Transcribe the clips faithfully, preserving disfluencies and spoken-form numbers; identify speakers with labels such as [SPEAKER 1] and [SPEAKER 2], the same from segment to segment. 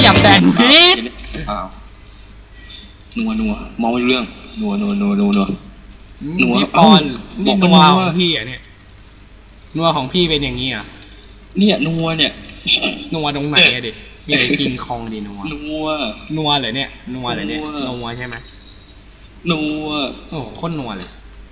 [SPEAKER 1] อย่าแบนพีท
[SPEAKER 2] อ้าวนัวนัวมองไม่เรื่องนัวนัวนัวนัวนัวนัว
[SPEAKER 1] พี่ปอนนี่นัวของพี่อ่ะเนี่ยนัวของพี่เป็นอย่างนี้อ่ะ
[SPEAKER 2] เนี่ยนัวเนี่ย
[SPEAKER 1] นัวตรงไหนอะดิมีอะไรกินคองดินัว
[SPEAKER 2] นัว
[SPEAKER 1] นัวเลยเนี่ยนัวเลยเนี่ยนัวใช่ไหม
[SPEAKER 2] นัว
[SPEAKER 1] โอ้โคตรนัวเลย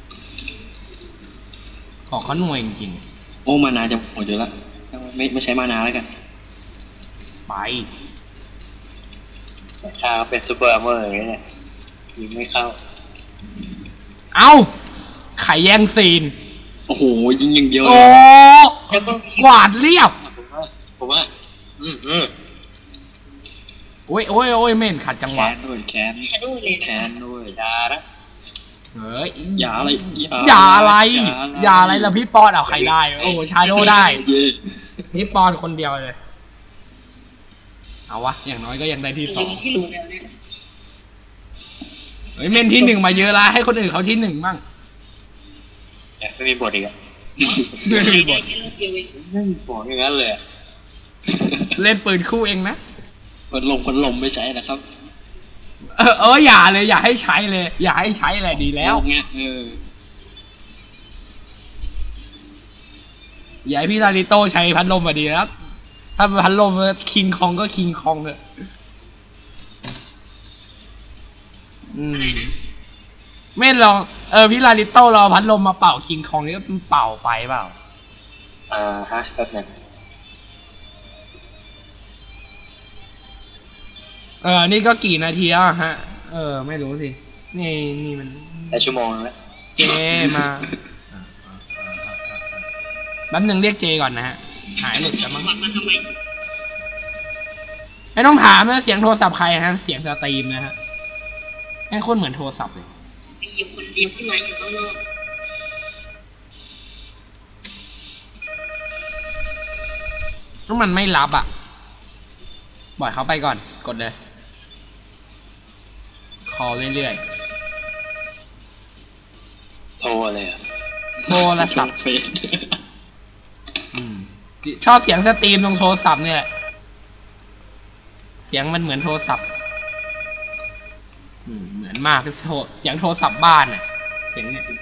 [SPEAKER 1] ของเขานัวจริง
[SPEAKER 2] ๆโอ้มานาจะหมดอยู่แล้วไม่ไม่ใช้มานาแล้วกัน
[SPEAKER 1] ไป
[SPEAKER 2] ถ้าเป็นซูเปอร์เมอร์อย่างเงี้ยยิงไม่เข้า
[SPEAKER 1] เอาไข่แย่งซีน
[SPEAKER 2] โอ้โหยิงอย่างเดียว
[SPEAKER 1] โอ้กวาดเรียบ
[SPEAKER 2] ผมว่าผมว่าอืมอืม
[SPEAKER 1] โอ้ยโอ้ยโอ้ยเม่นขัดจังหวะ
[SPEAKER 2] แคนด้วยแคนแคนด้วยยาละ
[SPEAKER 1] เฮ้ย
[SPEAKER 2] ยาอะไร
[SPEAKER 1] ยาอะไรยาอะไรแล้วพี่ปอนเอาใครได้โอ้ชาโดได้พี่ปอนคนเดียวเลยเอาวะอย่างน้อยก็ยังได้ที่สองเฮ้ยเม่นที่หนึ่งมาเยอะละให้คนอื่นเขาที่หนึ่งบ้าง
[SPEAKER 2] ไม่มีบทอีกอะ
[SPEAKER 1] ไม่มีบท
[SPEAKER 2] ไม่มีบทอย่างนั้นเลย
[SPEAKER 1] เล่นปืนคู่เองนะ
[SPEAKER 2] คนลมคนลมไม่ใช้นะครับ
[SPEAKER 1] เออเอออย่าเลยอย่าให้ใช้เลยอย่าให้ใช้เลยดีแล้ว
[SPEAKER 2] เงี้ยเออ
[SPEAKER 1] อย่าให้พี่ลาริโต้ใช้พัดลมมาดีแล้วถ้าพัดลมคิงคองก็คิงคองเลยอืมไม่ลองเออพี่ลาริโต้เราพัดลมมาเป่าคิงคองนี่ก็เป่าไปเปล่า
[SPEAKER 2] อ่าฮะแป๊บนึง
[SPEAKER 1] เออนี่ก็กี่นาทีแล้วฮะเออไม่รู้สินี่นี่มัน
[SPEAKER 2] แต่ชั่วโมงแล้ว
[SPEAKER 1] เจมาแป๊บนึงเรียกเจก่อนนะฮะหายหลุดแล้วมั้งไม่ต้องถามนะเสียงโทรศัพท์ใครฮะเสียงสตรีมนะฮะแม่งโคตรเหมือนโทรศัพท์เลย
[SPEAKER 3] มีอยู่คนเดียวที่มาอยู่ข้างนอก
[SPEAKER 1] ถ้ามันไม่รับอ่ะปล่อยเขาไปก่อนกดเลยคอเรื่อย
[SPEAKER 2] ๆโทรเลยอ่ะ
[SPEAKER 1] โทรศัพท์ชอบเสียงสตรีมตรงโทรศัพท์เนี่ยเสียงมันเหมือนโทรศัพท์เหมือนมากที่โทรอย่างโทรศัพท์บ้านเนี่ยเสียงเนี่ย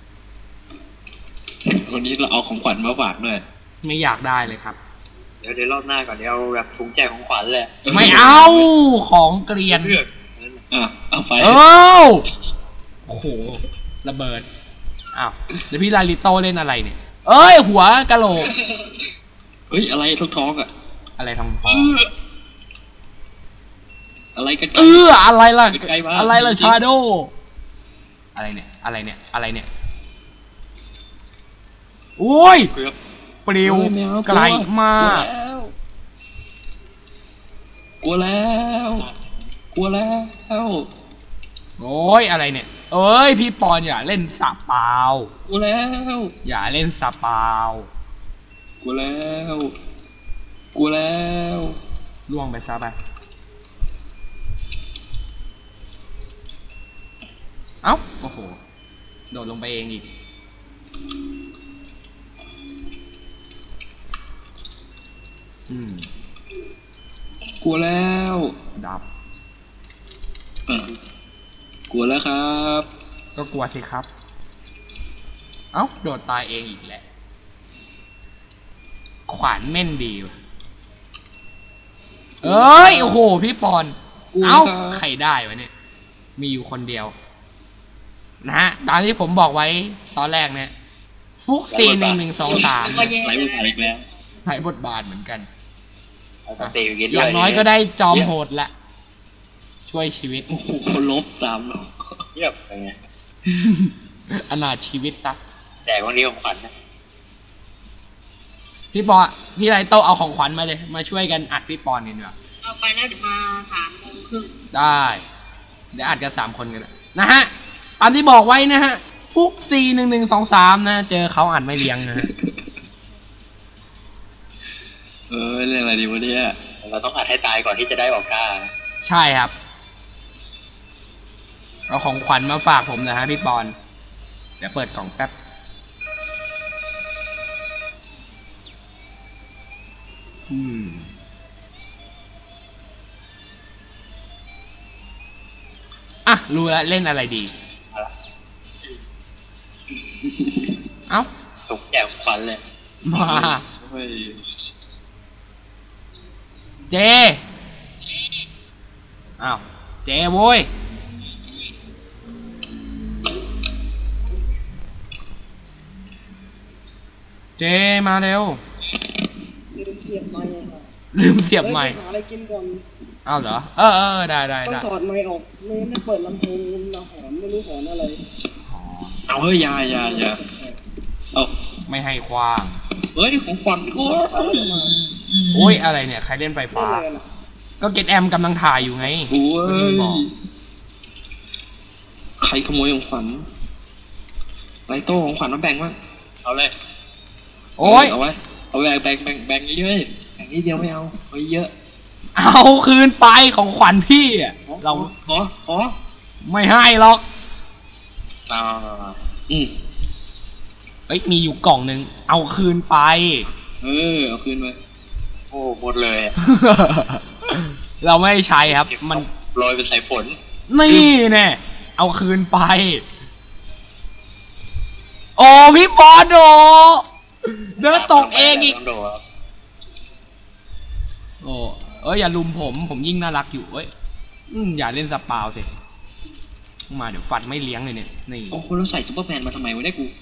[SPEAKER 2] วันนี้เราเอาของขวัญมาฝากด้วย
[SPEAKER 1] ไม่อยากได้เลยครับ
[SPEAKER 2] เดี๋ยวเดี๋ยวรอบหน้าก่อนเดี๋ยวเอาแบบถุงแจกของขวัญเลย
[SPEAKER 1] ไม่เอาของเกลียน
[SPEAKER 2] อ่ะเอาไป
[SPEAKER 1] เออโอ้โหระเบิดอ้าวเดี๋ยวพี่ลาลิโต้เล่นอะไรเนี่ยเอ้ยหัวกะโหลก
[SPEAKER 2] เฮ้ยอะไรท้องท้องอ่ะ
[SPEAKER 1] อะไรท้องท้อง
[SPEAKER 2] อะไรกัน
[SPEAKER 1] เอออะไรล่ะอะไรล่ะชาโดอะไรเนี่ยอะไรเนี่ยอะไรเนี่ยโอ้ยปลิวไกลมาก
[SPEAKER 2] กลัวแล้วกลัวแล้ว
[SPEAKER 1] โอ้ยอะไรเนี่ยเอ้ยพี่ปอนอย่าเล่นสาเปล่าก
[SPEAKER 2] ลัวแล้ว
[SPEAKER 1] อย่าเล่นสาเปล่าก
[SPEAKER 2] ลัวแล้วกลัวแล้ว
[SPEAKER 1] ล่วงไปซะไปเอ้าโอ้โหโดดลงไปเองอีกอืม
[SPEAKER 2] กลัวแล้ว
[SPEAKER 1] ดับ
[SPEAKER 2] กลัวแล้วครับ
[SPEAKER 1] ก็กลัวสิครับเอ้าโดดตายเองอีกแหละขวานแม่นดีว่ะเอ้ยโอ้โหพี่ปอนเอ้าใครได้วะเนี่ยมีอยู่คนเดียวนะฮะตามที่ผมบอกไว้ตอนแรกเนี่ยฟุกซีหนึ่งหนึ่งสองสาม
[SPEAKER 2] ไหลบทบาทอีกแล้ว
[SPEAKER 1] ไหลบทบาทเหมือนกันอย่างน้อยก็ได้จอมโหดละช่วยชีวิต
[SPEAKER 2] โอ้โหลบตามเราเยียบอะไรเงี้ย
[SPEAKER 1] อนาถชีวิตตะ
[SPEAKER 2] แต่วันนี้ของขวัญนะ
[SPEAKER 1] พี่ปอพี่ไรโตเอาของขวัญมาเลยมาช่วยกันอัดพี่ปอนกันดีกว่า
[SPEAKER 3] เอาไปแล้วเดี๋ยวมาสามโมงครึ่ง
[SPEAKER 1] ได้เดี๋ยวอัดกันสามคนกันนะฮะตามที่บอกไว้นะฮะฟุกซีหนึ่งหนึ่งสองสามนะเจอเขาอัดไม่เลี้ยงนะฮะ
[SPEAKER 2] เออเรื่องอะไรดีวะเนี่ยเราต้องอัดให้ตายก่อนที่จะได้ออกก้า
[SPEAKER 1] ใช่ครับเอาของขวัญมาฝากผมนะฮะพี่ปอนเดี๋ยวเปิดกล่องแป๊บอืมอ่ะรู้แล้วเล่นอะไรดี
[SPEAKER 2] อะไร
[SPEAKER 1] เอ้า
[SPEAKER 2] ถูกแจกขวัญเลย
[SPEAKER 1] มา
[SPEAKER 2] เฮ้ย
[SPEAKER 1] เจอ้าวเจโว้ยเจมาเร็ว
[SPEAKER 4] ลืมเสียบไมค์
[SPEAKER 1] ลืมเสียบไมค์
[SPEAKER 4] หาอะไรกินก่อน
[SPEAKER 1] อ้าวเหรอเออเออได้ได้
[SPEAKER 4] ต้อง
[SPEAKER 1] ได้
[SPEAKER 4] ถอดไมค์ออกไม่งั้นไม่เปิดลำโพงเราหอนไม่รู้หอนอะไร
[SPEAKER 1] อ๋อ
[SPEAKER 2] เอาเฮ้ยอยาอยาอยาเอา
[SPEAKER 1] ไม่ให้คว้าง
[SPEAKER 2] เฮ้ยของขวัญกู
[SPEAKER 1] โอ้ยอะไรเนี่ยใครเล่นไฟ
[SPEAKER 4] เล่น
[SPEAKER 1] ฟ้า
[SPEAKER 4] อะไรกันอ่ะ
[SPEAKER 1] ก็เก็ตแอมกำลังถ่ายอยู่ไง
[SPEAKER 2] โอ้ย
[SPEAKER 1] บอก
[SPEAKER 2] ใครขโมยของขวัญไรโต้ของขวัญมาแบ่งมั้งเอาเลย
[SPEAKER 1] โอ้ย
[SPEAKER 2] เอาไว้เอาแบ่งแบ่งแบ่งแบ่งเยอะๆแบ่งนิดเดียวไม่เอาเอาเยอะ
[SPEAKER 1] เอาคืนไปของขวัญพี่อะเรา
[SPEAKER 2] ขอขอ
[SPEAKER 1] ไม่ให้หรอก
[SPEAKER 2] มาอืม
[SPEAKER 1] เอ้ยมีอยู่กล่องหนึ่งเอาคืนไป
[SPEAKER 2] เออเอาคืนไปโอ้หมดเลยอะ
[SPEAKER 1] เราไม่ใช้ครับ มัน
[SPEAKER 2] โรยเป็นสายฝน
[SPEAKER 1] นี่แน่เอาคืนไป โอ้พี่บอลโดเดินตกเองอีก
[SPEAKER 2] ต้โดดครับ
[SPEAKER 1] โอ้เอ้ยอย่าลุมผมผมยิ่งน่ารักอยู่เอ้ยอืมอย่าเล่นสปาวสิมาเดี๋ยวฟันไม่เลี้ยงเลยเนี่ยนี่
[SPEAKER 2] โอ้โหแล้วใส่ซุปเปอร์แมนมาทำไมวะเนี่ยกู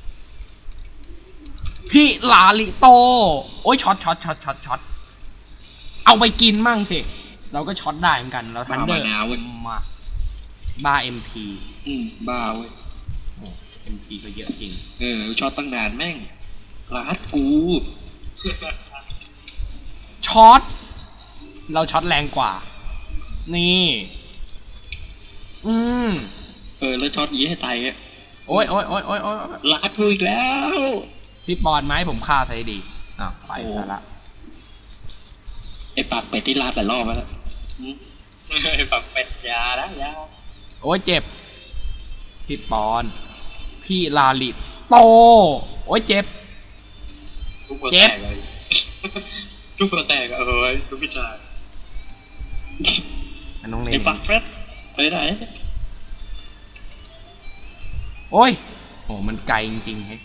[SPEAKER 1] พี่ลาลิโตโอ้ยช็อตช็อตช็อตช็อตช็อตเอาไปกินมั่งสิเราก็ช็อตได้เหมือนกันเราทันเดอร์มาบ้าเอ็มพี
[SPEAKER 2] อืมบ้าเว้ย
[SPEAKER 1] โอ้เอ็มพีก็เยอะจริง
[SPEAKER 2] เออช็อตตั้งนานแม่งรัดกู
[SPEAKER 1] ช็อตเราช็อตแรงกว่า นี่ อืม
[SPEAKER 2] เออแล้วช็อตยี้ให้ตายอ่ะ
[SPEAKER 1] โอ้ยโอ้ยโอ้ยโอ้ยโอ้ย
[SPEAKER 2] รัดกูอีกแล้ว
[SPEAKER 1] พี่ปอนไหมผมฆ่าใส่ดีอ้าวไปซะละ
[SPEAKER 2] ไอ้ปากเป็ดที่รัดหลายรอบแล้วอืมไอ้ปากเป็ดยาแล้วยา
[SPEAKER 1] โอ้ยเจ็บ พี่ปอน พี่ลาลิโตโอ้ยเจ็บ
[SPEAKER 2] ทุกคน
[SPEAKER 1] เจ็บ
[SPEAKER 2] แตกเลยทุกคนแตกอะเอ้ยทุกพิจาร
[SPEAKER 1] อันน้องเน
[SPEAKER 2] ไอ้
[SPEAKER 1] ม
[SPEAKER 2] ปากเป็ดไปไหน
[SPEAKER 1] โอ้ยโอ้มันไกลจริงๆเฮ้ย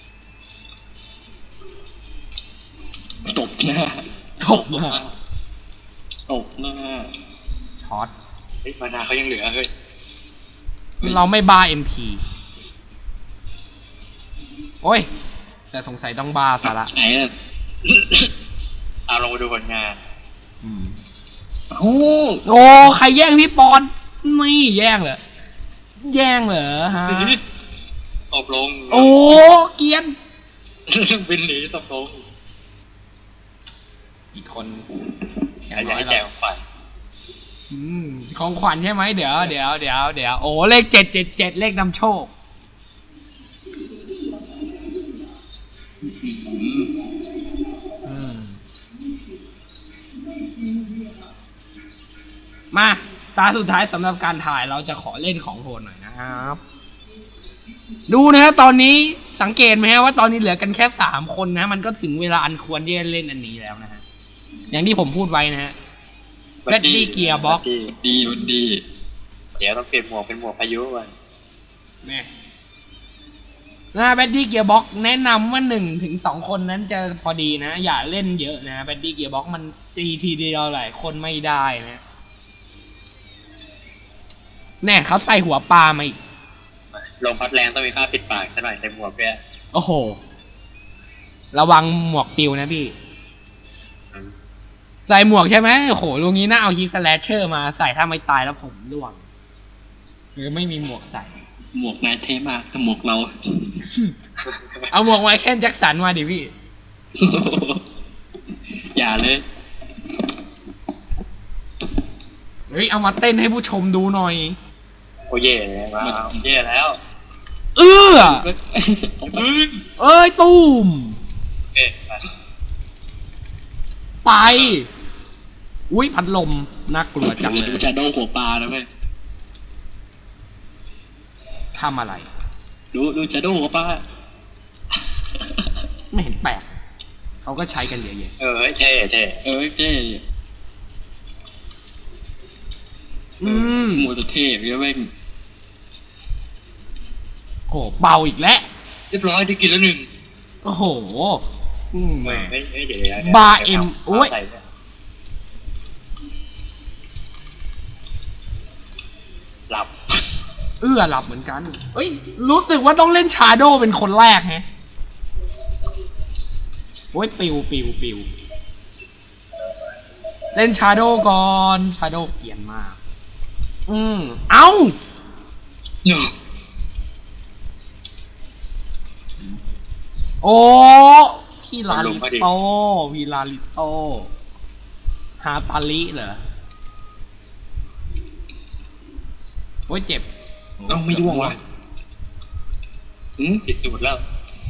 [SPEAKER 2] ตบหน้า
[SPEAKER 1] ตบมา
[SPEAKER 2] ตบหน้า
[SPEAKER 1] ช็อต
[SPEAKER 2] เฮ้ยมานาเขายังเหลือเฮ้ย
[SPEAKER 1] เราไม่บ้าเอ็มพีโอ้ย แต่สงสัยต้องบ้าซะละ
[SPEAKER 2] ไหนอ่ะ เอาลงมาดูผลงาน
[SPEAKER 1] อืม
[SPEAKER 2] โอ้
[SPEAKER 1] โอ้ใครแย่งพี่ปอนนี่แย่งเหรอแย่งเหรอฮะ
[SPEAKER 2] ตบลง
[SPEAKER 1] โอ้เกรียน
[SPEAKER 2] บินหนีตบลง
[SPEAKER 1] อีกคน
[SPEAKER 2] อยากให้แจกของขวัญ
[SPEAKER 1] อืมของขวัญใช่ไหมเดี๋ยวเดี๋ยวเดี๋ยวเดี๋ยวโอ้เลขเจ็ดเจ็ดเจ็ดเลขนำโชค อืมมาตาสุดท้ายสำหรับการถ่ายเราจะขอเล่นของโหดหน่อยนะครับ ดูนะฮะตอนนี้สังเกตไหมฮะว่าตอนนี้เหลือกันแค่สามคนนะ มันก็ถึงเวลาอันควรที่จะเล่นอันนี้แล้วนะฮะอย่างที่ผมพูดไว้นะฮะ Ready Gear Box
[SPEAKER 2] ดีมันดี เดี๋ยวต้องเปลี่ยนหมวกเป็นหมวกพายุก่อน
[SPEAKER 1] เนี่ยนะแบดดี้เกียร์บ็อกแนะนำว่าหนึ่งถึงสองคนนั้นจะพอดีนะ อย่าเล่นเยอะนะแบดดี้เกียร์บ็อกมันตีทีเดียวหลายคนไม่ได้นะแน่เขาใส่หัวปลามาอีก
[SPEAKER 2] ลงพัดแรงต้องมีค่าปิดปากซะหน่อยใส่หมวกด้วย
[SPEAKER 1] โอ้โห ระวังหมวกปิวนะพี่ ใส่หมวกใช่ไหมโอ้โหลุงนี้น่าเอาฮีสแลชเชอร์มาใส่ถ้าไม่ตายแล้วผมร่วงหรือไม่มีหมวกใส่
[SPEAKER 2] หมวกนายเท่มากแต่หมวกเรา
[SPEAKER 1] เอาหมวกไมเคิลแจ็คสันมาดิพี่
[SPEAKER 2] อย่าเลย
[SPEAKER 1] เฮ้ยเอามาเต้นให้ผู้ชมดูหน่อย
[SPEAKER 2] โอ้เย่เลยมาเย่แล้ว
[SPEAKER 1] เออ
[SPEAKER 2] อืม
[SPEAKER 1] เอ้ยตูม
[SPEAKER 2] โอเคไป
[SPEAKER 1] ไป อุ้ยพัดลมน่ากลัวจังเลย
[SPEAKER 2] ดูจะโดนหัวปลานะเว้ย
[SPEAKER 1] ทำอะไร
[SPEAKER 2] ดูดูจะโดนหัวปลา
[SPEAKER 1] ไม่เห็นแปลก เขาก็ใช้กันเยอะแยะ
[SPEAKER 2] เออเท่เท่เออเท่
[SPEAKER 1] อืม
[SPEAKER 2] โมโตเทพเยอะแม่ง
[SPEAKER 1] โหเบาอีกแล้ว
[SPEAKER 2] เรียบร้อยได้กินแล้วหนึ่ง
[SPEAKER 1] โอ้โห อืม
[SPEAKER 2] ไม่ไม่ไม่เดี๋ยวเดี๋ยว
[SPEAKER 1] บาร์เอ็มโอ้ย
[SPEAKER 2] ใส่เนี่ยหลับ
[SPEAKER 1] เอื้อหลับเหมือนกัน เอ้ย รู้สึกว่าต้องเล่นชาโดเป็นคนแรกแฮะ โอ้ย ปิวปิวปิวเล่นชาโดก่อน ชาโดเกลียนมาก อืม เอ้า
[SPEAKER 2] เนาะ
[SPEAKER 1] โอ้ พี่ลาลิโต พี่ลาลิโต ฮาตาลิเหรอ โอ้ย เจ็บ
[SPEAKER 2] เอ้าไม่ร่วงวะอืมผิดสูตรแล้ว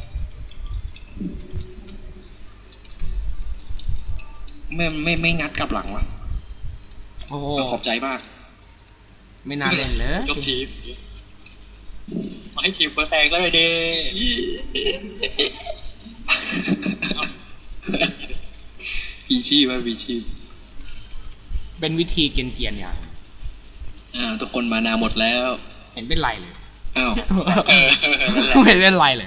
[SPEAKER 2] ไม่ไม่ไม่งัดกลับหลังวะ
[SPEAKER 1] โอ้โห
[SPEAKER 2] ขอบใจมาก
[SPEAKER 1] ไม่น่าเล่นเลย
[SPEAKER 2] ยกทีมมาให้ทีมเปิดแตกแล้วเลยเด้ปีชีพว่าปีชีพ
[SPEAKER 1] เป็นวิธีเกรียนๆอย่าง
[SPEAKER 2] อ่าทุกคนมานาหมดแล้ว
[SPEAKER 1] เห็นเป็นไรเลย
[SPEAKER 2] อ้าวเออนั่นแหละ
[SPEAKER 1] ไม่เป็นไรเลย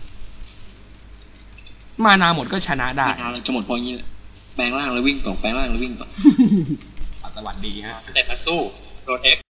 [SPEAKER 1] มานาหมดก็ชนะได้
[SPEAKER 2] มานาเราจะหมดเพราะงี้แหละแปลงร่างแล้ววิ่งต่อแปลงร่างแล้ววิ่งต่อ
[SPEAKER 1] สวัสดีฮะ
[SPEAKER 2] แต่มันสู้โดนเอ็ก